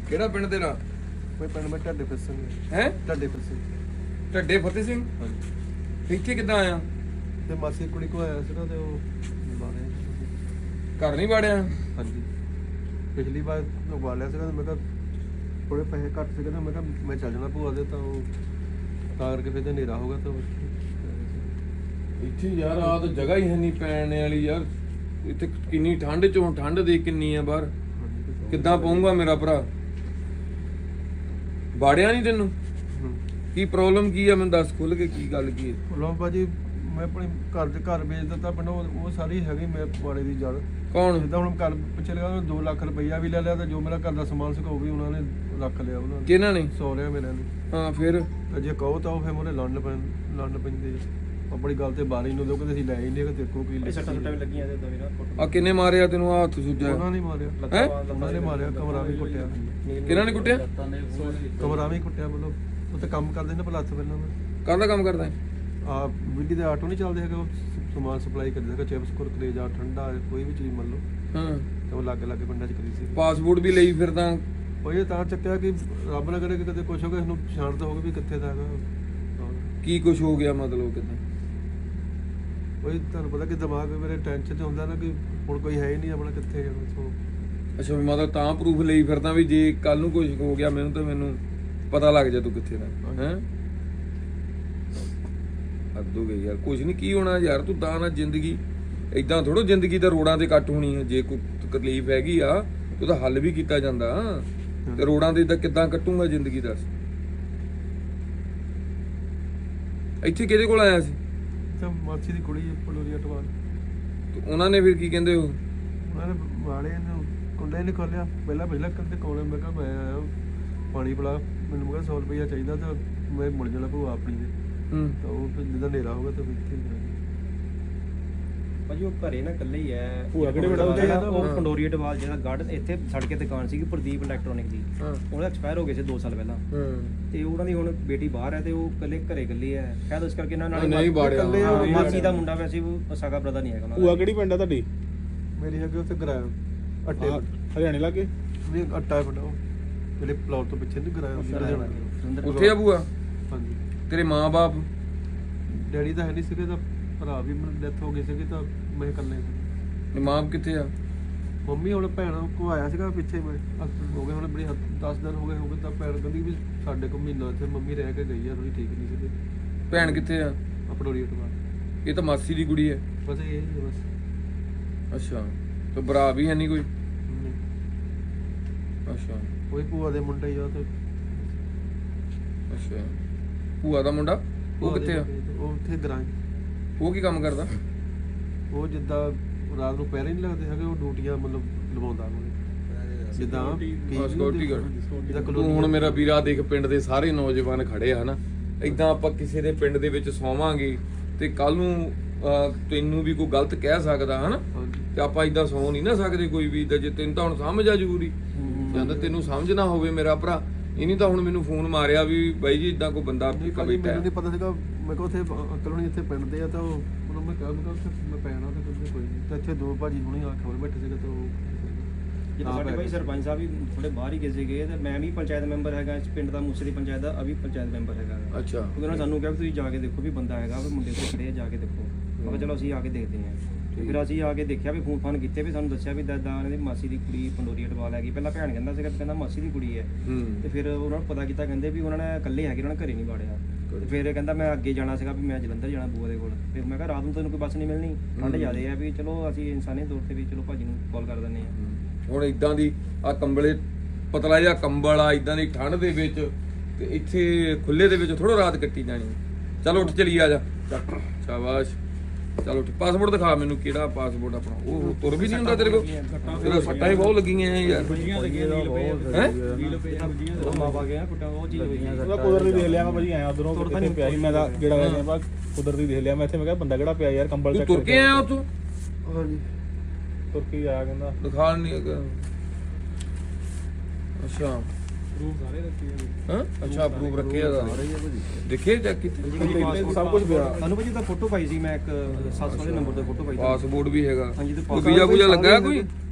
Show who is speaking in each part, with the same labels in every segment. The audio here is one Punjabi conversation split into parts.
Speaker 1: ਕਿਹੜਾ ਪਿੰਡ ਤੇਰਾ?
Speaker 2: ਕੋਈ ਪਿੰਡ ਮੈਂ ਢੱਡੇ ਫਤਿਹ ਸਿੰਘ
Speaker 1: ਹੈ
Speaker 2: ਢੱਡੇ ਫਤਿਹ ਸਿੰਘ।
Speaker 1: ਢੱਡੇ ਫਤਿਹ ਸਿੰਘ।
Speaker 2: ਹਾਂਜੀ
Speaker 1: ਇੱਥੇ ਕਿੱਦਾਂ ਆਇਆ?
Speaker 2: ਤੇ ਮਾਸੀ ਕੁੜੀ ਕੋ ਆਇਆ ਸੀਗਾ ਤੇ ਉਹ ਬਾਰੇ
Speaker 1: ਘਰ ਨਹੀਂ ਵਾੜਿਆ?
Speaker 2: ਹਾਂਜੀ ਪਿਛਲੀ ਵਾਰ ਲਗਵਾ ਲਿਆ ਸੀਗਾ ਤੇ ਮੈਂ ਕਿਹਾ ਥੋੜੇ ਪੈਸੇ ਘੱਟ ਸੀਗੇ ਨਾ, ਮੈਂ ਕਿਹਾ ਮੈਂ ਚੱਲ ਜਾਣਾ ਭੂਆ ਦੇ, ਤਾਂ ਉਹ ਤਾਂ ਕਰਕੇ ਫਿਰ ਤੇ ਹਨੇਰਾ ਹੋ ਗਿਆ ਤਾਂ
Speaker 1: ਇੱਥੇ ਯਾਰ ਆ ਤਾਂ ਜਗ੍ਹਾ ਹੀ ਹੈ ਨਹੀਂ ਪੈਣ ਵਾਲੀ ਯਾਰ। ਇੱਥੇ ਕਿੰਨੀ ਠੰਡ ਚੋਂ ਠੰਡ ਦੇ ਕਿੰਨੀ ਆ ਬਾਹਰ, ਕਿੱਦਾਂ ਪਊਂਗਾ ਮੇਰਾ ਭਰਾ? ਬਾੜਿਆ ਨਹੀਂ ਤੈਨੂੰ? ਕੀ ਪ੍ਰੋਬਲਮ ਕੀ ਆ ਮੈਨੂੰ ਦੱਸ ਖੁੱਲ ਕੇ, ਕੀ ਗੱਲ ਕੀ ਹੈ?
Speaker 2: ਲੋ ਭਾਜੀ ਮੈਂ ਆਪਣੇ ਘਰ ਦੇ ਘਰ ਵੇਚ ਦਿੱਤਾ ਪਿੰਡ, ਉਹ ਸਾਰੀ ਹੈਗੀ ਮੇਰੇ ਪੁਆੜੇ ਦੀ ਜੜ।
Speaker 1: ਕੌਣ?
Speaker 2: ਜਿੱਦਾਂ ਹੁਣ ਘਰ ਪਿੱਛੇ ਲਗਾ 2 ਲੱਖ ਰੁਪਈਆ ਵੀ ਲੈ ਲਿਆ ਤੇ ਜੋ ਮੇਰਾ ਘਰ ਦਾ ਸਮਾਨ ਸੀਗਾ ਉਹ ਵੀ ਉਹਨਾਂ ਨੇ ਰੱਖ ਲਿਆ। ਉਹਨਾਂ ਨੇ
Speaker 1: ਕਿਹਨਾਂ ਨੇ?
Speaker 2: ਸਹੁਰਿਆਂ ਮੇਰੇ ਨੇ।
Speaker 1: ਹਾਂ ਫਿਰ
Speaker 2: ਤੇ ਜੇ ਕਹੋ ਤਾਂ ਉਹ ਫਿਰ ਮੋਰੇ ਲੜਨ ਪੈਂਦੇ ਆ। ਆਪਣੀ ਗੱਲ ਤੇ ਬਾਰੀ ਨੂੰ ਦੋ ਕਿ ਅਸੀਂ ਲੈ ਹੀ ਨਹੀਂ, ਕਿ ਦੇਖੋ ਕੀ
Speaker 3: ਸੱਟਾਂ ਵੀ ਲੱਗੀਆਂ ਤੇ ਦਵੀਰਾ
Speaker 1: ਆ ਕਿੰਨੇ ਮਾਰਿਆ ਤੈਨੂੰ? ਆ ਹੱਥ ਸੁੱਜਾ?
Speaker 2: ਉਹਨਾਂ ਨੇ ਮਾਰਿਆ।
Speaker 1: ਹੈਂ?
Speaker 2: ਉਹਨਾਂ ਨੇ ਮਾਰਿਆ, ਕਮਰਾ ਵੀ ਕੁੱਟਿਆ।
Speaker 1: ਕਿਹਨਾਂ ਨੇ ਕੁੱਟਿਆ?
Speaker 2: ਕਮਰਾ ਵੀ ਕੁੱਟਿਆ। ਮਤਲਬ ਉੱਥੇ ਕੰਮ ਕਰਦੇ ਨੇ ਪਲੱਥ ਪਹਿਲਾਂ ਮੈਂ
Speaker 1: ਕਾਹਦਾ ਕੰਮ ਕਰਦਾ ਹੈ?
Speaker 2: ਆ ਬਿਜਲੀ ਦੇ ਆਟੋ ਨਹੀਂ ਚੱਲਦੇ ਹੈਗੇ, ਉਹ ਸਮਾਨ ਸਪਲਾਈ ਕਰਦੇ ਹੈਗੇ, ਚਿਪਸ ਕੁਰਕਰੇ ਜਾਂ ਠੰਡਾ ਕੋਈ ਵੀ ਚੀਜ਼ ਮੰਨ ਲਓ।
Speaker 1: ਹਾਂ
Speaker 2: ਤੇ ਉਹ ਲਾਗੇ ਲਾਗੇ ਪਿੰਡਾਂ 'ਚ ਕਰੀ ਸੀ।
Speaker 1: ਪਾਸਪੋਰਟ ਵੀ ਲਈ ਫਿਰਦਾ?
Speaker 2: ਉਹ ਇਹ ਤਾਂ ਚੱਕਿਆ ਕਿ ਰੱਬ ਨਾ ਕਰੇ ਕਿ ਕਦੇ ਕੁਛ ਹੋ ਗਿਆ, ਇਹਨੂੰ ਪਛਾਣ ਤਾਂ ਹੋਵੇ ਵੀ ਕਿੱਥੇ ਦਾ ਹੈਗਾ।
Speaker 1: ਕੀ ਕੁਝ ਹੋ ਗਿਆ ਮਤਲਬ ਕਿੱਦਾਂ?
Speaker 2: ਕੋਈ ਤੁਹਾਨੂੰ ਪਤਾ ਕਿ ਦਿਮਾਗ ਮੇਰੇ ਟੈਨਸ਼ਨ 'ਚ ਹੁੰਦਾ ਨਾ ਕਿ ਹੁਣ ਕੋਈ ਹੈ ਹੀ ਨਹੀਂ ਆਪਣਾ, ਕਿੱਥੇ ਜਾਣਾ ਸੋ।
Speaker 1: ਅੱਛਾ ਵੀ ਮਤਲਬ ਤਾਂ ਪ੍ਰੂਫ ਲਈ ਫਿਰਦਾ ਵੀ ਜੇ ਕੱਲ ਨੂੰ ਕੁਝ ਹੋ ਗਿਆ ਮੈਨੂੰ ਤਾਂ ਮੈਨੂੰ ਪਤਾ ਲੱਗ ਜਾ ਤੂੰ ਕਿੱਥੇ ਦਾ ਹੈ। ਹੱਦ ਹੋ ਗਈ ਯਾਰ। ਕੁਝ ਨਹੀਂ ਕੀ ਹੋਣਾ ਯਾਰ, ਤੂੰ ਤਾਂ ਨਾ ਜ਼ਿੰਦਗੀ ਇਦਾਂ ਥੋੜੋ ਜ਼ਿੰਦਗੀ ਤਾਂ ਰੋਡਾਂ ਤੇ ਕੱਟ ਹੋਣੀ ਹੈ। ਜੇ ਕੋਈ ਤਕਲੀਫ ਹੈਗੀ ਆ ਉਹਦਾ ਹੱਲ ਵੀ ਕੀਤਾ ਜਾਂਦਾ ਤੇ ਰੋਡਾਂ ਤੇ ਇਦਾਂ ਕਿੱਦਾਂ ਕੱਟੂਗਾ ਜ਼ਿੰਦਗੀ? ਦੱਸ। ਇੱਥੇ ਕਿਹਦੇ ਕੋਲ ਆਇਆ ਸੀ?
Speaker 2: ਤਾਂ ਮਾਸੀ ਦੀ ਕੁੜੀ ਪਲੋਰੀਆ ਟਵਾਲ।
Speaker 1: ਤੇ ਉਹਨਾਂ ਨੇ ਫਿਰ ਕੀ ਕਹਿੰਦੇ? ਉਹ
Speaker 2: ਉਹਨਾਂ ਨੇ ਵਾਲੇ ਨੂੰ ਕੁੰਡੇ ਨਹੀਂ ਖੋਲਿਆ। ਪਹਿਲਾਂ ਕਹਿੰਦੇ ਕੋਲੇ, ਮੈਂ ਕਿਹਾ ਮੈਂ ਆਇਆ ਪਾਣੀ ਪਿਲਾ, ਮੈਨੂੰ ਮੈਂ 100 ਰੁਪਈਆ ਚਾਹੀਦਾ ਤਾਂ ਮੈਂ ਮੁੜ ਜਾਣਾ ਭੂਆ ਆਪਣੀ ਦੇ। ਤਾਂ ਉਹ ਫਿਰ ਜਦੋਂ ਹਨੇਰਾ ਹੋ ਗਿਆ ਤਾਂ ਇੱਥੇ ਹੀ
Speaker 3: ਭਾਜੀ ਉਹ ਘਰੇ ਨਾ ਇਕੱਲੇ ਹੀ ਐ।
Speaker 2: ਭੂਆ ਕਿਹੜੇ ਬੜਾ ਹੁੰਦੇ ਆ?
Speaker 3: ਉਹ ਪੰਡੋਰੀਆ ਟਵਾਲ ਜਿਹੜਾ ਗਾਰਡਨ ਇੱਥੇ ਸੜਕ ਤੇ ਦੁਕਾਨ ਸੀਗੀ ਪ੍ਰਦੀਪ ਇਲੈਕਟ੍ਰੋਨਿਕ ਦੀ, ਉਹਦਾ ਐਕਸਪਾਇਰ ਹੋ ਗਏ ਸੀ 2 ਸਾਲ ਪਹਿਲਾਂ। ਤੇ ਉਹਨਾਂ ਦੀ ਹੁਣ ਬੇਟੀ ਬਾਹਰ ਹੈ ਤੇ ਉਹ ਇਕੱਲੇ ਘਰੇ ਇਕੱਲੇ ਐ। ਸ਼ਾਇਦ ਇਸ ਕਰਕੇ ਇਹਨਾਂ ਨਾਲ ਮਾਸੀ ਦਾ ਮੁੰਡਾ ਵੈਸੇ ਉਹ ਸਾਗਾ ਬ੍ਰਦਰ ਨਹੀਂ ਹੈਗਾ ਉਹਨਾਂ ਦਾ।
Speaker 4: ਭੂਆ ਕਿਹੜੀ ਪਿੰਡ ਆ ਤੁਹਾਡੀ?
Speaker 2: ਮੇਰੀ ਹੈਗੀ ਉੱਥੇ ਕਿਰਾਇਆ ਅੱਟੇ
Speaker 4: ਹਰਿਆਣੇ ਲਾਗੇ
Speaker 2: ਨਹੀਂ ਅੱਟਾ ਪਿੰਡ ਉਹ ਮੇਰੇ ਪਲਾਟ ਤੋਂ ਪਿੱਛੇ ਨਹੀਂ ਕਿਰਾਇਆ
Speaker 1: ਉੱਥੇ ਆ ਭੂਆ?
Speaker 2: ਹਾਂਜੀ।
Speaker 1: ਤੇਰੇ ਮਾਂ-ਬਾਪ?
Speaker 2: ਡੈਡੀ ਤਾਂ ਹੈ ਨਹੀਂ ਸੀਗੇ, ਤਾਂ ਭਰਾ ਵੀ ਡੈਥ ਹੋ ਗਈ ਸੀਗੀ, ਤਾਂ ਮੈਂ ਇਕੱਲੇ ਸੀ।
Speaker 1: ਮਾਂ ਕਿੱਥੇ ਆ?
Speaker 2: ਮੰਮੀ ਹੁਣ ਭੈਣ ਕੋ ਆਇਆ ਸੀਗਾ ਪਿੱਛੇ, ਮੈਂ ਹੋ ਗਏ ਹੁਣ ਬੜੀ 10 ਦਿਨ ਹੋ ਗਏ ਤਾਂ ਭੈਣ ਕਹਿੰਦੀ ਵੀ ਸਾਡੇ ਕੋਲ ਮਹੀਨਾ ਇੱਥੇ ਮੰਮੀ ਰਹਿ ਕੇ ਗਈ ਆ, ਥੋੜੀ ਠੀਕ ਨਹੀਂ ਸੀਗੀ।
Speaker 1: ਭੈਣ ਕਿੱਥੇ ਆ?
Speaker 2: ਪਟੋਰੀ ਟਵਾ।
Speaker 1: ਇਹ ਤਾਂ ਮਾਸੀ ਦੀ ਕੁੜੀ ਹੈ।
Speaker 2: ਬਸ ਇਹ ਹੀ ਆ ਬਸ।
Speaker 1: ਅੱਛਾ ਤੇ ਭਰਾ ਵੀ ਹੈ ਨਹੀਂ ਕੋਈ? ਅੱਛਾ
Speaker 2: ਕੋਈ ਭੂਆ ਦੇ ਮੁੰਡੇ ਹੀ ਆ ਤੇ।
Speaker 1: ਅੱਛਾ ਭੂਆ ਦਾ ਮੁੰਡਾ ਉਹ ਕਿੱਥੇ ਆ?
Speaker 2: ਉਹ ਉੱਥੇ ਗਰਾਂ।
Speaker 1: ਉਹ ਕੀ ਕੰਮ ਕਰਦਾ?
Speaker 2: ਉਹ ਜਿੱਦਾਂ ਰਾਤ ਨੂੰ ਪੈਰੇ ਨਹੀਂ ਲੱਗਦੇ ਹੈਗੇ, ਉਹ ਡਿਊਟੀਆਂ ਮਤਲਬ ਲਵਾਉਂਦਾ ਉਹਨੇ ਜਿੱਦਾਂ
Speaker 1: ਸਿਕਿਉਰਿਟੀ ਗਾਰਡ। ਤੂੰ ਹੁਣ ਮੇਰਾ ਵੀਰਾ ਦੇਖ ਪਿੰਡ ਦੇ ਸਾਰੇ ਨੌਜਵਾਨ ਖੜੇ ਆ ਹਨਾ, ਏਦਾਂ ਆਪਾਂ ਕਿਸੇ ਦੇ ਪਿੰਡ ਦੇ ਵਿੱਚ ਸੌਵਾਂਗੇ ਤੇ ਕੱਲ ਨੂੰ ਤੈਨੂੰ ਵੀ ਕੋਈ ਗਲਤ ਕਹਿ ਸਕਦਾ ਹਨਾ, ਤੇ ਆਪਾਂ ਏਦਾਂ ਸੌ ਨਹੀਂ ਨਾ ਸਕਦੇ ਕੋਈ ਵੀ। ਜੇ ਤੈਨੂੰ ਤਾਂ ਹੁਣ ਸਮਝ ਆ ਜ਼ਰੂਰੀ ਜਾਂ ਤਾਂ ਤੈਨੂੰ ਸਮਝ ਨਾ ਹੋਵੇ ਮੇਰਾ ਭਰਾ, ਇਹ ਨਹੀਂ ਤਾਂ ਹੁਣ ਮੈਨੂੰ ਫੋਨ ਮਾਰਿਆ ਵੀ ਬਾਈ ਜੀ ਏਦਾਂ ਕੋਈ ਬੰਦਾ ਬੈਠਾ।
Speaker 2: ਮੈਨੂੰ ਨਹੀਂ ਪਤਾ ਸੀਗਾ, ਮੈਂ ਕਿਹਾ ਉੱਥੇ ਅੰਕਲ ਹੁਣੀ ਇੱਥੇ ਪਿੰਡ ਦੇ ਆ, ਤਾਂ ਉਹਨਾਂ ਮੈਂ ਕਿਹਾ ਉੱਥੇ ਮੈਂ ਪੈਣਾ ਤਾਂ ਕਹਿੰਦੇ ਕੋਈ ਨਹੀਂ। ਤਾਂ ਇੱਥੇ 2 ਭਾਜੀ ਹੁਣੀ ਆ ਖਬਰ ਬੈਠੇ ਸੀਗੇ, ਤਾਂ ਉਹ
Speaker 3: ਜਦੋਂ ਸਾਡੇ ਭਾਈ ਸਰਪੰਚ ਸਾਹਿਬ ਵੀ ਥੋੜੇ ਬਾਹਰ ਹੀ ਕਿਸੇ ਗਏ ਤੇ ਮੈਂ ਵੀ ਪੰਚਾਇਤ ਮੈਂਬਰ ਹੈਗਾ ਇਸ ਪਿੰਡ ਦਾ, ਮੂਸੇ ਦੀ ਪੰਚਾਇਤ ਦਾ ਅਭੀ ਪੰਚਾਇਤ ਮੈਂਬਰ ਹੈਗਾ।
Speaker 1: ਅੱਛਾ
Speaker 3: ਉਹਨਾਂ ਨੇ ਸਾਨੂੰ ਕਿਹਾ ਵੀ ਤੁਸੀਂ ਜਾ ਕੇ ਦੇਖੋ ਵੀ ਬੰਦਾ ਹੈਗਾ ਵੀ ਮੁੰਡੇ ਕੋਲ ਖੜੇ ਜਾ ਕੇ ਦੇਖੋ। ਮੈਂ ਕਿਹਾ ਚਲੋ ਅਸੀਂ ਆ ਕੇ ਦੇਖਦੇ ਹਾਂ। ਫਿਰ ਅਸੀਂ ਆ ਕੇ ਦੇਖਿਆ ਵੀ ਫੋਨ ਫਾਨ ਕੀਤੇ ਵੀ ਸਾਨੂੰ ਦੱਸਿਆ ਵੀ ਦਾਦਾ ਇਹਨਾਂ ਦੀ ਮਾਸੀ ਦੀ ਕੁੜੀ ਪੰਡੋਰੀਆ ਟਵਾਲ ਹੈਗੀ। ਪਹਿਲਾਂ ਭੈਣ ਕਹਿੰਦਾ ਸੀਗਾ, ਕਹਿੰਦਾ ਮਾਸੀ ਦੀ ਕੁੜੀ ਹੈ। ਤੇ ਫਿਰ ਉਹਨਾਂ ਨੂੰ ਪਤਾ ਕੀਤਾ, ਕਹਿੰਦੇ ਵੀ ਉਹਨਾਂ ਨੇ ਇਕੱਲੇ ਹੈਗੇ, ਉਹਨਾਂ ਨੇ ਘਰੇ ਨਹੀਂ ਵਾੜਿਆ। ਤੇ ਫਿਰ ਕਹਿੰਦਾ ਮੈਂ ਅੱਗੇ ਜਾਣਾ ਸੀਗਾ ਵੀ ਮੈਂ ਜਲੰਧਰ ਜਾਣਾ ਬੂਆ ਦੇ ਕੋਲ। ਫਿਰ ਮੈਂ ਕਿਹਾ ਰਾਤ ਨੂੰ ਤੈਨੂੰ ਕੋਈ ਬੱਸ ਨਹੀਂ ਮਿਲਣੀ, ਠੰਡ ਜ਼ਿਆਦੇ ਆ ਵੀ ਚਲੋ ਅਸੀਂ ਇਨਸਾਨੀ ਤੌਰ ਤੇ ਵੀ ਚਲੋ ਭਾਜੀ ਨੂੰ ਕਾਲ ਕਰ ਦਿੰਦੇ ਹਾਂ।
Speaker 1: ਹੁਣ ਇਦਾਂ ਦੀ ਆ ਕੰਬਲੇ ਪਤਲਾ ਜਿਹਾ ਕੰਬਲ ਆ ਇਦਾਂ ਦੀ ਠੰਡ ਦੇ ਵਿੱਚ, ਤੇ ਇੱਥੇ ਖੁੱਲੇ ਦੇ ਵਿੱਚ ਥੋੜਾ ਰਾਤ ਕੱਟੀ ਜਾਣੀ। ਚਲੋ ਉੱਠ ਚਲੀ ਆ ਜਾ। ਸ਼ਾਬਾਸ਼ ਚਲੋ ਪਾਸਪੋਰਟ ਦਿਖਾ ਮੈਨੂੰ, ਕਿਹੜਾ ਪਾਸਪੋਰਟ ਆਪਣਾ? ਉਹ ਤੁਰ ਵੀ ਨਹੀਂ ਹੁੰਦਾ ਤੇਰੇ ਕੋਲ? ਤੇਰਾ ਸੱਟਾਂ ਹੀ ਬਹੁਤ ਲੱਗੀਆਂ ਯਾਰ। ਹੈ
Speaker 4: ਉਹਦਾ ਕੁਦਰਤੀ ਦੇਖ ਲਿਆ ਮੈਂ ਭਾਜੀ, ਆਇਆ ਉਧਰੋਂ ਕਿੱਥੇ ਪਿਆ ਸੀ ਮੈਂ ਤਾਂ ਜਿਹੜਾ ਵੈਸੇ ਬਸ ਕੁਦਰਤੀ ਦੇਖ ਲਿਆ ਮੈਂ ਇੱਥੇ। ਮੈਂ ਕਿਹਾ ਬੰਦਾ ਕਿਹੜਾ ਪਿਆ ਯਾਰ ਕੰਬਲ
Speaker 1: ਤੂੰ ਤੁਰ ਕੇ ਆਇਆ ਉੱਥੋਂ?
Speaker 2: ਹਾਂਜੀ
Speaker 4: ਤੁਰ ਕੇ ਆਇਆ ਕਹਿੰਦਾ।
Speaker 1: ਦਿਖਾ ਨਹੀਂ ਹੈਗਾ। ਅੱਛਾ
Speaker 4: ਪ੍ਰੂਫ ਸਾਰੇ ਰੱਖੇ
Speaker 1: ਹਾਂ? ਅੱਛਾ ਪ੍ਰੂਫ ਰੱਖੇ ਆ ਦੇਖੇ ਚੈੱਕ ਕੀਤੇ
Speaker 4: ਸਭ ਕੁਝ ਪਿਆ।
Speaker 3: ਸਾਨੂੰ ਭਾਜੀ ਤਾਂ ਫੋਟੋ ਪਾਈ ਸੀ ਮੈਂ, ਇੱਕ 700 ਦੇ ਨੰਬਰ ਤੇ ਫੋਟੋ ਪਾਈ ਸੀ।
Speaker 1: ਪਾਸਪੋਰਟ ਵੀ ਹੈਗਾ।
Speaker 3: ਹਾਂਜੀ ਤੇ
Speaker 1: ਵੀਜ਼ਾ ਵੂਜ਼ਾ ਲੱਗਾ ਕੋਈ?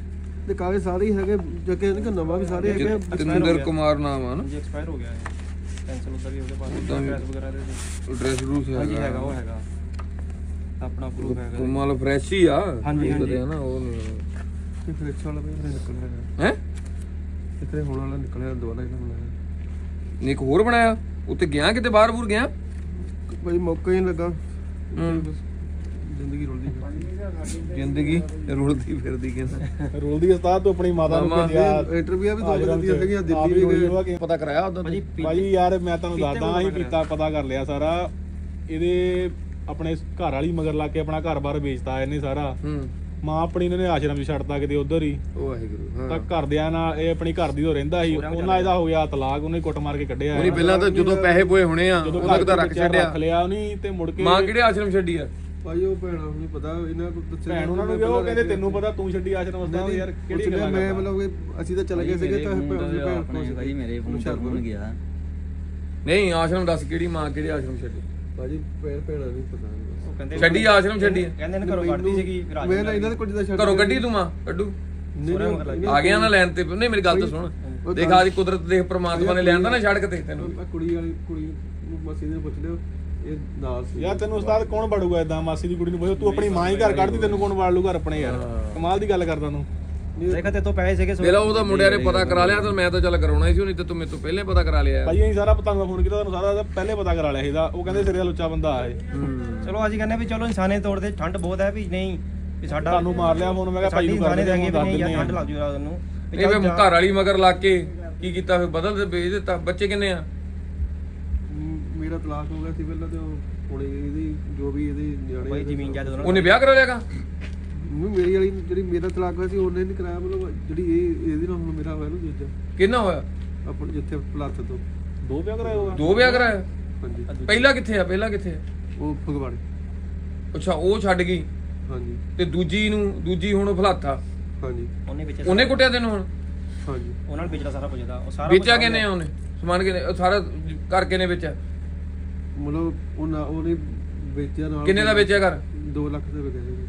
Speaker 2: ਤੇ ਕਾਗਜ਼ ਸਾਰੇ ਹੀ ਹੈਗੇ ਜੱਕੇ ਇਹਨਾਂ ਨਵਾਂ ਵੀ ਸਾਰੇ ਹੈਗੇ
Speaker 1: ਜਤਿੰਦਰ ਕੁਮਾਰ ਨਾਮ ਆ ਨਾ
Speaker 3: ਜੀ ਐਕਸਪਾਇਰ ਹੋ ਗਿਆ ਹੈ ਕੈਂਸਲ ਉਧਰ ਵੀ ਉਹਦੇ ਪਾਸ
Speaker 1: ਉੱਦਾਂ ਵੀ-
Speaker 3: ਐਡਰੈਸ ਵਗੈਰਾ ਦੇ
Speaker 1: ਐਡਰੈਸ ਰੂਸ
Speaker 3: ਹਾਂਜੀ ਹੈਗਾ ਉਹ ਹੈਗਾ ਆਪਣਾ ਪ੍ਰੂਫ ਹੈਗਾ
Speaker 1: ਕੁਮਾਲ ਫਰੈਸ਼ ਹੀ ਆ
Speaker 3: ਹਾਂਜੀ, ਹਾਂਜੀ।
Speaker 1: ਹੈ ਨਾ ਉਹ
Speaker 2: ਤੇ ਫਿਰ ਵਾਲਾ ਵੀ ਨਿਕਲਿਆ ਹੈਗਾ
Speaker 1: ਹੈ
Speaker 2: ਇਤਰੇ ਹੋਣ ਵਾਲਾ ਨਿਕਲਿਆ ਦੁਬਾਰਾ ਇਹਨਾਂ ਬਣਾਇਆ
Speaker 1: ਨੇ ਇੱਕ ਹੋਰ ਬਣਾਇਆ ਉੱਤੇ ਗਿਆ ਕਿਤੇ ਬਾਹਰ ਬੂਰ ਗਿਆ
Speaker 2: ਭਾਈ ਮੌਕਾ ਹੀ ਨੀ ਲੱਗਾ
Speaker 1: ਹੂੰ।
Speaker 2: ਜ਼ਿੰਦਗੀ ਰੁਲਦੀ ਪਈ।
Speaker 1: ਜ਼ਿੰਦਗੀ ਰੁਲਦੀ ਫਿਰਦੀ ਕਹਿੰਦਾ
Speaker 4: ਰੋਲ ਦੀ ਉਸਤਾਦ ਤੂੰ ਆਪਣੀ ਮਾਤਾ ਨੂੰ
Speaker 1: ਮਾਮਾ,
Speaker 4: ਭੇਜਿਆ
Speaker 2: ਇੰਟਰਵਿਊ ਵੀ ਦੋ
Speaker 4: ਆਸ਼ਰਮ
Speaker 2: ਦਿਨ
Speaker 4: ਚ।
Speaker 2: ਦੀਆਂ
Speaker 4: ਆਪ
Speaker 2: ਦਿੱਲੀ
Speaker 4: ਹੀ
Speaker 2: ਵੀ ਗਏ
Speaker 4: ਹੋਈ
Speaker 1: ਪਤਾ ਕਰਾਇਆ ਉਦੋਂ
Speaker 3: ਭਾਜੀ
Speaker 4: ਭਾਜੀ ਯਾਰ ਮੈਂ ਤੁਹਾਨੂੰ
Speaker 3: ਪੀਤੇ
Speaker 4: ਦੱਸਦਾ ਅਸੀਂ
Speaker 3: ਕੋਲ
Speaker 4: ਪਤਾ ਕਰ ਲਿਆ ਸਾਰਾ ਇਹਦੇ ਆਪਣੇ ਘਰ ਵਾਲੀ ਮਗਰ ਲਾ ਕੇ ਆਪਣਾ ਘਰ-ਬਾਰ ਵੇਚਤਾ ਇਹਨੇ ਸਾਰਾ
Speaker 1: ਹੂੰ
Speaker 4: ਮਾਂ ਆਪਣੀ ਨੇ ਆਸ਼ਰਮ 'ਚ ਛੱਡਤਾ ਕਿਤੇ ਉਧਰ ਹੀ
Speaker 1: ਉਹ ਵਾਹਿਗੁਰੂ
Speaker 4: ਤਾਂ
Speaker 1: ਹਾਂ
Speaker 4: ਘਰਦਿਆਂ ਨਾਲ ਇਹ ਆਪਣੀ ਘਰ ਦੀ ਤੋਂ ਰਹਿੰਦਾ ਸੀ ਉਹਨਾਂ ਇਹਦਾ ਹੋ ਗਿਆ ਤਲਾਕ ਉਹਨੇ ਕੁੱਟ ਮਾਰ ਕੇ ਕੱਢਿਆ
Speaker 1: ਉਹਨੇ ਪਹਿਲਾਂ ਤਾਂ ਜਦੋਂ ਪੈਸੇ ਪੋਏ ਹੋਣੇ ਆ
Speaker 4: ਜਦੋਂ
Speaker 1: ਉਹਨਾਂ
Speaker 4: ਘਰ
Speaker 1: ਦਾ
Speaker 4: ਦਾ
Speaker 1: ਰੱਖ ਛੱਡਿਆ
Speaker 4: ਰੱਖ ਲਿਆ ਉਹਨੇ ਤੇ ਮੁੜ ਕੇ
Speaker 1: ਮਾਂ ਕਿਹੜੇ ਆਸ਼ਰਮ ਛੱਡੀ ਆ
Speaker 2: ਭਾਈ ਉਹ ਭੈਣਾ ਨੂੰ ਨਹੀਂ ਪਤਾ ਇਹਨਾਂ ਨੂੰ ਦੱਸਿਆ
Speaker 4: ਭੈਣ ਉਹਨਾਂ ਨੂੰ ਵੀ ਉਹ ਕਹਿੰਦੇ ਤੈਨੂੰ ਪਤਾ ਤੂੰ ਛੱਡੀ ਆਸ਼ਰਮ ਉਸਤਾਦ ਯਾਰ ਕਿਹੜੀ ਗੱਲ
Speaker 2: ਮੈਂ ਮਤਲਬ ਕਿ ਅਸੀਂ ਤਾਂ ਚਲੇ ਗਏ ਸੀਗੇ ਤਾਂ
Speaker 5: ਆਪਣੇ ਭਾਈ ਮੇਰੇ ਫੋਨ ਤੋਂ ਫੋਨ ਗਿਆ
Speaker 1: ਨਹੀਂ ਆਸ਼ਰਮ ਦੱਸ ਕਿਹੜੀ ਮਾਂ ਕਿਹੜੇ ਆਸ਼ਰਮ ਛੱਡੀ
Speaker 2: ਭਾਜੀ ਭੈਣਾ ਨਹੀਂ ਪਤਾ
Speaker 3: ਉਹ ਕਹਿੰਦੇ
Speaker 1: ਛੱਡੀ ਆਸ਼ਰਮ ਛੱਡੀ ਆ?
Speaker 3: ਕਹਿੰਦੇ ਨੇ ਘਰੋਂ ਕੱਢਦੀ ਸੀਗੀ ਫਿਰ ਆ
Speaker 2: ਮੈਂ ਨਾ ਇਹਨਾਂ ਦੇ ਕੋਲ ਜਿੱਦਾਂ ਛੱਡ
Speaker 1: ਘਰੋਂ ਕੱਢੀ ਤੂੰ ਮਾਂ ਕੱਢੂ
Speaker 2: ਨਹੀਂ
Speaker 1: ਆ ਗਿਆ ਨਾ ਲੈਣ ਤੇ ਨਹੀਂ ਮੇਰੀ ਗੱਲ ਤਾਂ ਸੁਣ ਦੇਖ ਆਦੀ ਕੁਦਰਤ ਦੇਖ ਪ੍ਰਮਾਤਮਾ ਨੇ ਲਿਆਂਦਾ ਨਾ ਸੜਕ ਤੇ ਤੈਨੂੰ
Speaker 2: ਕੁੜੀ ਨੂੰ ਮਸੀ ਨੇ ਪੁੱਛ ਲਿਓ ਇਹ ਨਾਲ ਸੀ
Speaker 4: ਯਾਰ ਤੈਨੂੰ ਉਸਤਾਦ ਕੌਣ ਵੜੂਗਾ ਇਦਾਂ ਮਾਸੀ ਦੀ ਕੁੜੀ ਨੂੰ ਪੁੱਛ ਤੂੰ ਆਪਣੀ ਮਾਂ ਹੀ ਘਰ ਕੱਢਦੀ ਤੈਨੂੰ ਕੌਣ ਵੜ ਲੂ ਘਰ ਆਪਣੇ ਯਾਰ ਕਮਾਲ ਦੀ ਗੱਲ ਕਰਦਾ ਤੂੰ
Speaker 3: ਦੇਖਾ ਤੇ ਤੋਂ ਪੈਸੇ ਸੀਗੇ
Speaker 1: ਮੇਰਾ ਉਹਦਾ ਮੁੰਡਿਆਂ ਨੇ ਪਤਾ ਕਰਾ ਲਿਆ ਤਾਂ ਮੈਂ ਤਾਂ ਚੱਲ ਕਰਾਉਣਾ ਹੀ ਸੀ ਨਹੀਂ ਤੇ ਤੂੰ ਮੇਰੇ ਤੋਂ ਪਹਿਲੇ ਪਤਾ ਕਰਾ ਲਿਆ
Speaker 4: ਭਾਈ ਅਸੀਂ ਸਾਰਾ ਤੁਹਾਨੂੰ ਫੋਨ ਕੀਤਾ ਤੁਹਾਨੂੰ ਸਾਰਾ ਪਹਿਲੇ ਪਤਾ ਕਰਾ ਲਿਆ ਇਹਦਾ ਉਹ ਕਹਿੰਦੇ ਸਿਰੇ ਦਾ ਲੁੱਚਾ ਬੰਦਾ ਆ ਇਹ
Speaker 3: ਚਲੋ ਅਸੀਂ ਕਹਿੰਦੇ ਵੀ ਚਲੋ ਇਨਸਾਨੇ ਤੌਰ ਤੇ ਠੰਡ ਬਹੁਤ ਹੈ ਵੀ ਨਹੀਂ ਵੀ ਸਾਡਾ
Speaker 4: ਤੁਹਾਨੂੰ ਮਾਰ ਲਿਆ ਫੋਨ ਮੈਂ ਕਿਹਾ ਭਾਈ
Speaker 3: ਸਾਡੀ
Speaker 4: ਨੂੰ ਕਰ
Speaker 3: ਇਨਸਾਨੇ
Speaker 4: ਦੇ
Speaker 3: ਦੇਂਗੇ ਵੀ ਨਹੀਂ ਯਾਰ ਠੰਡ
Speaker 4: ਦਿੰਦੇ
Speaker 3: ਲੱਗ ਜੂ ਰਾਤ ਨੂੰ
Speaker 1: ਇਹ ਵੇ ਘਰ ਵਾਲੀ ਮਗਰ ਲੱਗ ਕੇ ਕੀ ਕੀਤਾ ਫਿਰ ਬਦਲ ਤੇ ਵੇਚ ਦਿੱਤਾ ਬੱਚੇ ਕਿੰਨੇ ਆ
Speaker 2: ਮੇਰਾ ਤਲਾਕ ਹੋ ਗਿਆ ਸੀ ਪਹਿਲਾਂ ਤੇ ਹੁਣ ਇਹਦੀ ਜੋ ਵੀ ਇਹਦੇ ਨਿਆਣੇ
Speaker 3: ਕੋਈ ਜ਼ਮੀਨ ਜਾਇਦਾਦ ਉਹਨਾਂ
Speaker 1: ਉਹਨੇ ਵਿਆਹ ਕਰਾ ਲਿਆਗਾ
Speaker 2: ਮੇਰੀ ਵਾਲੀ ਜਿਹੜੀ ਮੇਰਾ ਤਲਾਕ ਹੋਇਆ ਸੀ ਉਹਨੇ ਨਹੀਂ ਕਰਾਇਆ ਮਤਲਬ ਜਿਹੜੀ ਇਹਦੀ ਨਾਲ ਹੁਣ ਮੇਰਾ ਹੋਇਆ ਨਾ ਦੂਜਾ
Speaker 1: ਕਿੰਨਾ ਹੋਇਆ
Speaker 2: ਆਪਣ ਜਿੱਥੇ ਪਲਾਥ ਤੋਂ
Speaker 4: ਦੋ ਵਿਆਹ ਕਰਾਏ ਹੋਗਾ
Speaker 1: ਦੋ ਵਿਆਹ ਕਰਾਇਆ
Speaker 2: ਹਾਂਜੀ
Speaker 1: ਪਹਿਲਾ ਕਿੱਥੇ ਆ ਪਹਿਲਾ ਕਿੱਥੇ ਆ
Speaker 2: ਉਹ ਫਗਵਾੜੇ
Speaker 1: ਅੱਛਾ ਉਹ ਛੱਡ ਗਈ
Speaker 2: ਹਾਂਜੀ
Speaker 1: ਤੇ ਦੂਜੀ ਹੁਣ ਫਲਾਥਾ
Speaker 2: ਹਾਂਜੀ
Speaker 3: ਉਹਨੇ ਵਿੱਚ
Speaker 1: ਉਹਨੇ ਕੁੱਟਿਆ ਤੈਨੂੰ ਹੁਣ
Speaker 2: ਹਾਂਜੀ
Speaker 3: ਉਹਨਾਂ ਨੂੰ ਵੇਚਦਾ ਸਾਰਾ ਕੁਝ ਦਾ ਉਹ ਸਾਰਾ
Speaker 1: ਵੇਚਿਆ ਕਿਨੇ ਆ ਉਹਨੇ ਸਮਾਨ ਕਿਨੇ ਸਾਰਾ ਘਰ ਕਿਨੇ ਵੇਚਿਆ
Speaker 2: ਮਤਲਬ ਉਹਨੇ ਵੇਚਿਆ ਨਾਲ
Speaker 1: ਕਿੰਨੇ ਦਾ ਵੇਚਿਆ ਘਰ
Speaker 2: 2 ਲੱਖ ਦੇ ਵਿਕਿਆ ਸੀ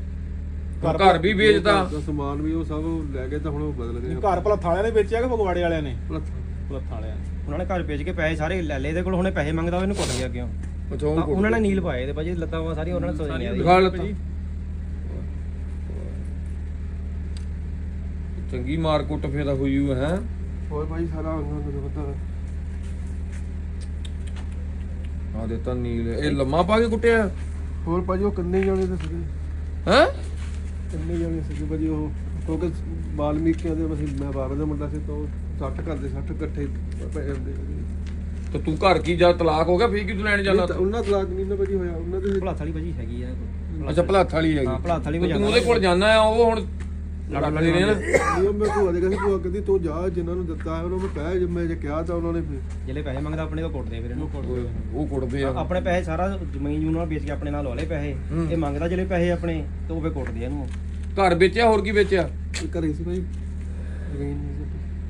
Speaker 1: ਘਰ ਵੀ ਵੇਚਦਾ
Speaker 2: ਦਾ ਸਮਾਨ ਵੀ ਉਹ ਸਭ ਲੈ ਕੇ ਤਾਂ ਹੁਣ ਉਹ ਬਦਲ ਗਏ
Speaker 4: ਘਰ ਭਲਾ ਥਾਲਿਆਂ ਨੇ ਵੇਚਿਆ ਕਿ ਫਗਵਾੜੇ ਵਾਲਿਆਂ ਨੇ
Speaker 2: ਪਲਾਥ
Speaker 4: ਭਲਾ ਥਾਲਿਆਂ ਨੇ
Speaker 3: ਉਹਨਾਂ ਨੇ ਘਰ ਵੇਚ ਕੇ ਪੈਸੇ ਸਾਰੇ ਲੈ ਲਏ ਇਹਦੇ ਕੋਲ ਹੁਣੇ ਪੈਸੇ ਮੰਗਦਾ ਉਹਨੂੰ ਕੁੱਟ ਗਿਆ ਕਿਉਂ
Speaker 1: ਅੱਛਾ ਉਹ
Speaker 3: ਉਹਨਾਂ ਨੇ ਨੀਲ ਪਾਏ ਤੇ ਭਾਜੀ ਲੱਤਾਂ ਵਾ ਸਾਰੀਆਂ ਉਹਨਾਂ ਨੇ ਸੋਚ ਲਿਆ
Speaker 1: ਦਿਖਾ ਲੱਤਾਂ ਚੰਗੀ ਮਾਰ ਕੁੱਟ ਫੇਰ ਹੋਈ ਹੋਈ ਹੈ
Speaker 2: ਹੋਰ ਭਾਈ ਸਾਰਾ ਉਹਨਾਂ ਨੂੰ ਪਤਾ
Speaker 1: ਆ ਦਿੱਤਾ ਨੀਲ ਇਹ ਲੰਮਾ ਪਾ ਕੇ ਕੁੱਟਿਆ
Speaker 2: ਹੋਰ ਭਾਜੀ ਉਹ ਕੰਨੇ ਜਾਣੇ ਤੇ ਸੀਗੇ
Speaker 1: ਹੈ
Speaker 2: ਕੰਨੇ ਜਾਣੇ ਸੀਗੇ ਭਾਜੀ ਉਹ ਕਿਉਂਕਿ ਬਾਲਮੀਕਿਆਂ ਦੇ ਮੈਂ ਬਾਬਾ ਦਾ ਮੁੰਡਾ ਸੀ ਤਾਂ ਉਹ 60 ਘਰ ਦੇ 60 ਇਕੱਠੇ ਪਏ ਹੁੰਦੇ
Speaker 1: ਤੇ ਤੂੰ ਘਰ ਕੀ ਜਾ ਤਲਾਕ ਹੋ ਗਿਆ ਫੇਰ ਕੀ ਤੂੰ ਲੈਣ ਜਾਣਾ
Speaker 2: ਉਹਨਾਂ ਤਲਾਕ ਨਹੀਂ ਨਾ ਭਾਜੀ ਹੋਇਆ ਉਹਨਾਂ ਦੇ
Speaker 3: ਭਲਾਥ ਵਾਲੀ ਭਾਜੀ ਹੈਗੀ ਆ
Speaker 1: ਅੱਛਾ ਭਲਾਥ ਵਾਲੀ ਹੈਗੀ
Speaker 3: ਹਾਂ, ਭਲਾਥ ਵਾਲੀ
Speaker 1: ਤੂੰ ਉਹਦੇ ਕੋਲ ਜਾਣਾ ਆ ਉਹ ਹੁਣ ਲੜਦੇ ਨੇ ਨਾ
Speaker 2: ਉਹ ਮੈਂ ਭੂਆ ਦੇ ਕਹਿੰਦੀ ਭੂਆ ਕਹਿੰਦੀ ਤੂੰ ਜਾ ਜਿਨ੍ਹਾਂ ਨੂੰ ਦਿੱਤਾ ਹੈ ਉਹਨਾਂ ਨੂੰ ਕਹਿ ਜੇ ਮੈਂ ਜੇ ਕਿਹਾ ਤਾਂ ਉਹਨਾਂ ਨੇ ਫਿਰ
Speaker 3: ਜਿਹੜੇ ਪੈਸੇ ਮੰਗਦਾ ਆਪਣੇ ਤੋਂ ਕੁੱਟਦੇ ਫਿਰ ਇਹਨੂੰ
Speaker 1: ਉਹ ਕੁੱਟਦੇ ਆ
Speaker 3: ਆਪਣੇ ਪੈਸੇ ਸਾਰਾ ਜ਼ਮੀਨ ਜੂਨ ਨਾਲ ਵੇਚ ਕੇ ਆਪਣੇ ਨਾਲ ਲਵਾ ਲਏ ਪੈਸੇ ਇਹ ਮੰਗਦਾ ਜਿਹੜੇ ਪੈਸੇ ਆਪਣੇ ਤੇ ਉਹ ਫੇ ਕੁੱਟਦੇ ਆ ਇਹਨੂੰ
Speaker 1: ਘਰ ਵੇਚਿਆ ਹੋਰ ਕੀ ਵੇਚਿਆ
Speaker 2: ਘਰੇ ਸੀ ਭਾਈ ਜ਼ਮੀਨ ਨਹੀਂ ਸੀ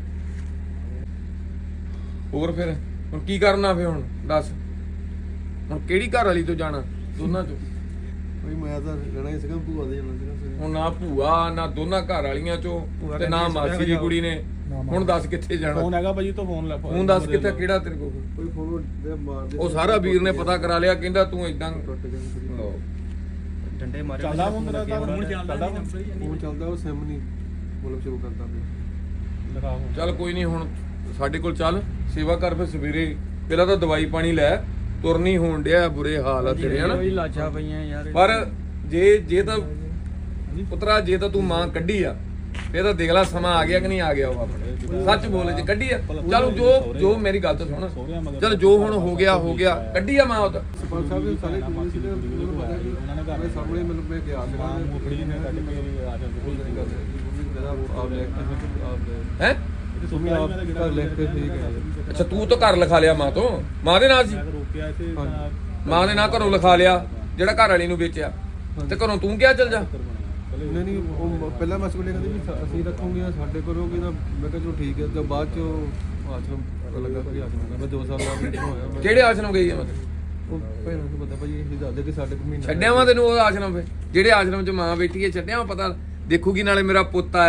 Speaker 1: ਹੋਰ ਫਿਰ ਹੁਣ ਕੀ ਕਰਨਾ ਫੇ ਹੁਣ ਦੱਸ ਹੁਣ ਕਿਹੜੀ ਘਰ ਵਾਲੀ ਤੋਂ ਜਾਣਾ ਦੋਨਾਂ ਚੋਂ
Speaker 2: ਭਾਈ ਮੈਂ ਤਾਂ ਰਹਿਣਾ ਹੀ ਸੀਗਾ ਭੂਆ ਦੇ ਜਾਣਾ ਸੀਗਾ
Speaker 1: ਹੁਣ ਨਾ ਭੂਆ ਨਾ ਦੋਨਾਂ ਘਰ ਵਾਲੀਆਂ ਚੋਂ ਤੇ ਨਾ ਮਾਸੀ ਦੀ ਕੁੜੀ ਨੇ ਹੁਣ ਦੱਸ ਕਿੱਥੇ ਜਾਣਾ
Speaker 4: ਫੋਨ ਹੈਗਾ ਭਾਜੀ ਤੋਂ ਫੋਨ ਲੈ
Speaker 1: ਹੁਣ ਦੱਸ ਕਿੱਥੇ ਕਿਹੜਾ ਤੇਰੇ ਕੋਲ
Speaker 2: ਕੋਈ ਫੋਨ ਦੇ ਮਾਰਦੇ
Speaker 1: ਉਹ ਸਾਰਾ ਵੀਰ ਨੇ ਪਤਾ ਕਰਾ ਲਿਆ ਕਹਿੰਦਾ ਤੂੰ ਇਦਾਂ
Speaker 2: ਟੁੱਟ ਗਿਆ ਸੀ
Speaker 3: ਡੰਡੇ ਮਾਰੇ
Speaker 4: ਚੱਲਦਾ ਫੋਨ ਤੇਰਾ ਚੱਲਦਾ
Speaker 2: ਫੋਨ ਚੱਲਦਾ ਉਹ ਸਿਮ ਨਹੀਂ ਮਤਲਬ ਸ਼ੁਰੂ ਕਰਦਾ ਪਿਆ
Speaker 4: ਦਿਖਾ ਫੋਨ
Speaker 1: ਚੱਲ ਕੋਈ ਨਹੀਂ ਹੁਣ ਸਾਡੇ ਕੋਲ ਚੱਲ ਸੇਵਾ ਕਰ ਫਿਰ ਸਵੇਰੇ ਪਹਿਲਾਂ ਤਾਂ ਦਵਾਈ ਪਾਣੀ ਲੈ ਤੁਰਨੀ ਹੋਣ ਡਿਆ ਬੁਰੇ ਹਾਲ ਆ ਤੇਰੇ ਹਨਾ
Speaker 5: ਲਾਚਾ ਪਈਆਂ ਯਾਰ
Speaker 1: ਪਰ ਜੇ ਤਾਂ ਪੁੱਤਰਾ ਜੇ ਤਾਂ ਤੂੰ ਮਾਂ ਕੱਢੀ ਆ ਫੇਰ ਤਾਂ ਦੇਖ ਲੈ ਸਮਾਂ ਆ ਗਿਆ ਕਿ ਨਹੀਂ ਆ ਗਿਆ ਉਹ ਆਪਣੇ ਸੱਚ ਬੋਲੇ ਜੇ ਕੱਢੀ ਆ ਚਲ ਜੋ ਮੇਰੀ ਗੱਲ ਤਾਂ ਸੁਣ ਚਲ ਜੋ ਹੁਣ ਹੋ ਗਿਆ ਕੱਢੀ ਆ ਮਾਂ ਉਹ ਤਾਂ
Speaker 2: ਸਰਪੰਚ ਸਾਹਿਬ ਦੇ ਸਾਰੇ ਕੋਲ ਸੀ ਉਹਨਾਂ ਨੂੰ ਪਤਾ ਕਿ
Speaker 4: ਉਹਨਾਂ ਨੇ ਘਰ
Speaker 2: ਮੇਰੇ ਸਾਹਮਣੇ ਮੈਨੂੰ ਮੈਂ ਗਿਆ ਸੀਗਾ
Speaker 4: ਮੁਖੜੀ ਨੇ ਕੱਢ ਕੇ ਆਸ਼ਰਮ
Speaker 2: ਮੇਰਾ ਆਪ ਲੈ ਕੇ
Speaker 1: ਹੈ
Speaker 2: ਸੁਮੀ ਆਪ ਘਰ ਲੈ ਕੇ ਠੀਕ ਹੈ
Speaker 1: ਅੱਛਾ ਤੂੰ ਤਾਂ ਘਰ ਲਿਖਾ ਲਿਆ ਮਾਂ ਤੋਂ ਮਾਂ ਦੇ ਨਾਲ ਸੀ
Speaker 4: ਰੋਕਿਆ ਇੱਥੇ
Speaker 1: ਮਾਂ ਦੇ ਨਾਲ ਘਰੋਂ ਲਿਖਾ ਲਿਆ ਜਿਹੜਾ ਘਰ ਵਾਲੀ ਨੂੰ ਵੇਚਿਆ ਤੇ ਘਰੋਂ ਤੂੰ ਕਿਹਾ ਚੱਲ ਜਾ
Speaker 2: ਨਹੀਂ ਨਹੀਂ ਉਹ ਪਹਿਲਾਂ ਮੈਂ ਸਕੂਲੇ ਕਹਿੰਦੀ ਵੀ ਅਸੀਂ ਰੱਖੂਗੇ ਸਾਡੇ ਕੋਲ ਹੋਗੇ ਤਾਂ ਮੈਂ ਕਿਹਾ ਚਲੋ ਠੀਕ ਹੈ ਤੇ ਬਾਅਦ ਚ ਆਸ਼ਰਮ ਪਤਾ ਲੱਗਾ ਕਿ ਆਸ਼ਰਮ ਮੈਂ 2 ਸਾਲ ਦਾ ਬੈਠਾ ਹੋਇਆ ਮੈਂ
Speaker 1: ਕਿਹੜੇ ਆਸ਼ਰਮ ਗਈ ਆ ਮਤਲਬ
Speaker 2: ਉਹ ਭੈਣਾਂ ਨੂੰ ਪਤਾ ਭਾਈ ਇਹ ਦੱਸਦੇ ਕਿ ਸਾਡੇ ਕੋਲ ਮਹੀਨਾ
Speaker 1: ਛੱਡਿਆ ਵਾ ਤੈਨੂੰ ਉਹ ਆਸ਼ਰਮ 'ਤੇ ਜਿਹੜੇ ਆਸ਼ਰਮ 'ਚ ਮਾਂ ਬੈਠੀ ਹੈ ਛੱਡਿਆ ਵਾ ਪਤਾ ਦੇਖੂਗੀ ਨਾਲੇ ਮੇਰਾ ਪੁੱਤ ਆਇਆ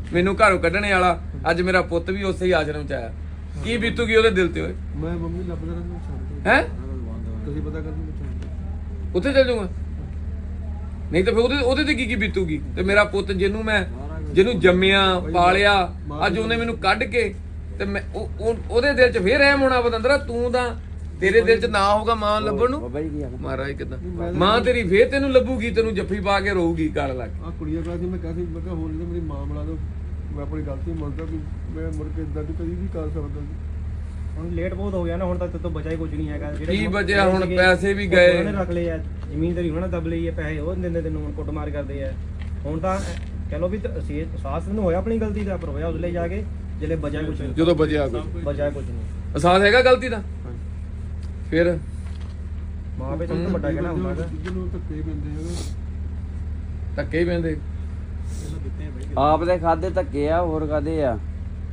Speaker 1: ਮੈਨੂੰ ਘਰੋਂ ਕੱਢਣੇ ਵਾਲਾ, ਅੱਜ ਮੇਰਾ ਪੁੱਤ ਵੀ ਉਸੇ ਹੀ ਆਸ਼ਰਮ ਚ ਆਇਆ, ਕੀ ਬੀਤੂਗੀ ਉਹਦੇ ਦਿਲ ਤੇ ਓਏ?
Speaker 2: ਮੈਂ ਮੰਮੀ ਲੱਭਦਾ ਰਹਿੰਦਾ ਛੱਡ
Speaker 1: ਹੈ
Speaker 2: ਤੁਸੀਂ ਪਤਾ ਕਰ ਦਿਓ ਛੱਡ
Speaker 1: ਉੱਥੇ ਚੱਲ ਜਾਊਗਾ? ਨਹੀਂ ਤਾਂ ਫਿਰ ਉਹਦੇ ਤੇ ਕੀ ਬੀਤੂਗੀ? ਤੇ ਮੇਰਾ ਪੁੱਤ ਜਿਹਨੂੰ ਜੰਮਿਆ ਪਾਲਿਆ, ਅੱਜ ਉਹਨੇ ਮੈਨੂੰ ਕੱਢ ਕੇ ਤੇ ਮੈਂ ਉਹਦੇ ਦਿਲ 'ਚ ਫੇਰ ਰਹਿਮ ਹੋਣਾ ਬਦੰਦਰਾ। ਤੂੰ ਤਾਂ ਤੇਰੇ ਦਿਲ 'ਚ ਨਾ ਹੋਊਗਾ ਮਾਂ ਲੱਭਣ ਨੂੰ। ਮਹਾਰਾਜ ਕਿਦਾਂ ਮਾਂ ਤੇਰੀ ਫੇਰ ਤੈਨੂੰ ਲੱਭੂਗੀ, ਤੈਨੂੰ ਜੱਫੀ ਪਾ ਕੇ ਰੋਊਗੀ ਗਲ ਲੱਗ ਕੇ।
Speaker 2: ਆ ਕੁੜੀਆਂ ਕਹਿੰਦੀ ਮੈਂ ਕਿਹਾ ਹੋਰ ਨਹੀਂ ਮੇਰੀ ਮਾਂ ਬਣਾ ਦੋ, ਮੈਂ ਆਪਣੀ ਗਲਤੀ ਮੰਨਦਾ ਕਿ ਮੈਂ ਮੁੜ ਕੇ ਇਦਾਂ ਦੀ ਕਦੀ ਵੀ ਕਰ ਸਕਦਾ ਸੀ।
Speaker 3: ਹੁਣ ਲੇਟ ਬਹੁਤ ਹੋ ਗਿਆ ਨਾ, ਹੁਣ ਤੱਕ ਤੋਂ ਬਚਾ ਹੀ ਕੁਝ ਨਹੀਂ ਹੈਗਾ।
Speaker 1: ਕੀ ਬਚਿਆ ਹੁਣ? ਪੈਸੇ ਵੀ ਗਏ,
Speaker 3: ਉਹਨਾਂ ਨੇ ਰੱਖ ਲਏ ਆ, ਜ਼ਮੀਨ ਤੇਰੀ ਉਹਨਾਂ ਨੇ ਦਬ ਲਈ ਹੈ, ਪੈਸੇ ਉਹ ਨੀ ਦਿੰਦੇ ਤੈਨੂੰ, ਹੁਣ ਕੁੱਟਮਾਰ ਕਰਦੇ ਆ। ਹੁਣ ਤਾਂ ਕਹਿ ਲੋ ਵੀ ਅਹਿਸਾਸ ਤੈਨੂੰ ਹੋਇਆ ਆਪਣੀ ਗਲਤੀ ਦਾ, ਪਰ ਹੋਇਆ ਉਸਲੇ ਜਾ ਕੇ ਜਿਹੜੇ ਬਚਾ ਕੁਝ ਨਹੀਂ,
Speaker 1: ਜਦੋਂ ਬਚਿਆ ਕੋਈ
Speaker 3: ਬਚਾ ਕੁਝ ਨਹੀਂ।
Speaker 1: ਅਹਿਸਾਸ ਹੈਗਾ ਗਲਤੀ ਦਾ? ਫਿਰ
Speaker 3: ਮਾਂ ਪਿਓ ਤੋਂ ਵੱਡਾ ਕਹਿਣਾ ਹੁੰਦਾ ਹੈਗਾ।
Speaker 2: ਜਿਹਨੂੰ ਧੱਕੇ ਪੈਂਦੇ ਹੈਗੇ,
Speaker 1: ਧੱਕੇ ਹੀ ਪੈਂਦੇ।
Speaker 5: ਆਪ ਦੇ ਖਾਦੇ ਧੱਕੇ ਆ, ਹੋਰ ਕਾਦੇ ਆ?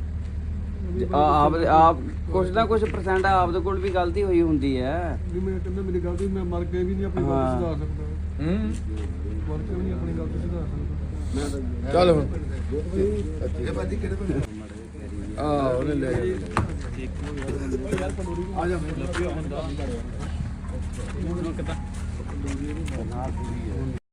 Speaker 5: ਆਪ ਕੁਛ ਨਾ ਕੁਛ % ਆਪ ਦੇ ਕੋਲ ਵੀ ਗਲਤੀ ਹੋਈ ਹੁੰਦੀ ਹੈ।
Speaker 2: ਵੀ ਮੈਂ ਕਹਿੰਦਾ ਮੇਰੀ ਗਲਤੀ, ਮੈਂ ਮਰ ਕੇ ਵੀ ਨਹੀਂ ਆਪਣੀ ਗਲਤੀ ਸੁਧਾਰ ਸਕਦਾ,
Speaker 1: ਹੂੰ
Speaker 2: ਮਰ ਕੇ ਵੀ ਨਹੀਂ ਆਪਣੀ ਗਲਤੀ ਸੁਧਾਰ ਸਕਦਾ।
Speaker 1: ਚੱਲ ਹੁਣ
Speaker 2: ਇਹ ਬਾਜੀ ਕਿਹੜੇ ਪਿੰਡ?
Speaker 1: ਉਹਨੇ ਲੈ ਗਿਆ।